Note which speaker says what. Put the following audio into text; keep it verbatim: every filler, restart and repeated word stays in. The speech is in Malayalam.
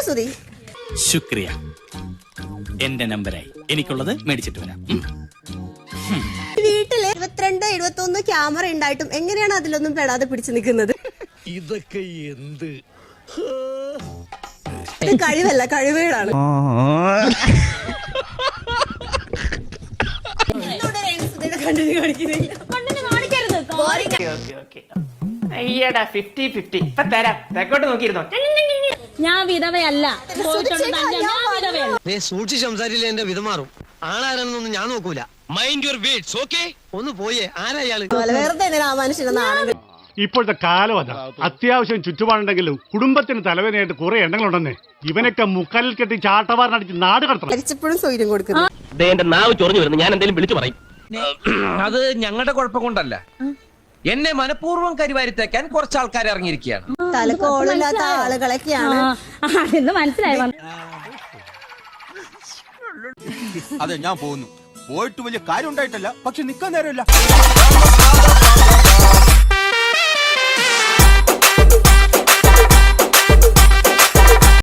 Speaker 1: സുധി.
Speaker 2: ശുക്രിയ. എന്റെ നമ്പറായി. എനിക്കുള്ളത് മേടിച്ചിട്ട് വരാം.
Speaker 1: വീട്ടില് ഇരുപത്തിരണ്ട് എഴുപത്തി ഒന്ന് ക്യാമറ ഉണ്ടായിട്ടും എങ്ങനെയാണ് അതിലൊന്നും പെടാതെ പിടിച്ചു നിൽക്കുന്നത്?
Speaker 3: ഇതൊക്കെ എന്ത്
Speaker 1: കഴിവല്ല, കഴിവുകളാണ്.
Speaker 4: ഞാൻ വിധവയല്ല.
Speaker 5: സൂക്ഷിച്ച് സംസാരിച്ചില്ല എന്റെ വിധമാറും. ആളാരെന്നൊന്നും ഞാൻ നോക്കൂല. Mind your words, okay? ഒന്ന് പോയേ. ആരാ ഇയാള്?
Speaker 1: വെറുതെ ആ മനുഷ്യനെ നാണം.
Speaker 6: ഇപ്പോഴത്തെ കാലം അതാ. അത്യാവശ്യം ചുറ്റുപാടുണ്ടെങ്കിലും കുടുംബത്തിന് തലവേദനയായിട്ട് കുറെ എണ്ണങ്ങളുണ്ടെന്നേ. ഇവനൊക്കെ മുക്കാലിൽ കെട്ടി ചാട്ടവാറിനടിച്ച് നാട് കടത്തണം.
Speaker 1: മരിച്ചപ്പോഴും സ്വൈര്യം കൊടുക്കുന്നു.
Speaker 7: എന്റെ നാവ് ചൊറിഞ്ഞു വരുന്നു. ഞാൻ എന്തെങ്കിലും വിളിച്ചു പറയും.
Speaker 8: അത് ഞങ്ങളുടെ കുഴപ്പം കൊണ്ടല്ല. എന്നെ മനഃപൂർവ്വം കരിവാരിത്തേക്കാൻ കുറച്ച് ആൾക്കാർ ഇറങ്ങിയിരിക്കുകയാണ്.
Speaker 1: തലക്കോളില്ലാത്ത ആളുകളൊക്കെയാണ്.
Speaker 4: മനസ്സിലായി.
Speaker 3: അതെ, ഞാൻ പോകുന്നു. പോയിട്ട് വലിയ കാര്യം ഉണ്ടായിട്ടല്ല, പക്ഷെ നിക്കാൻ നേരമില്ല.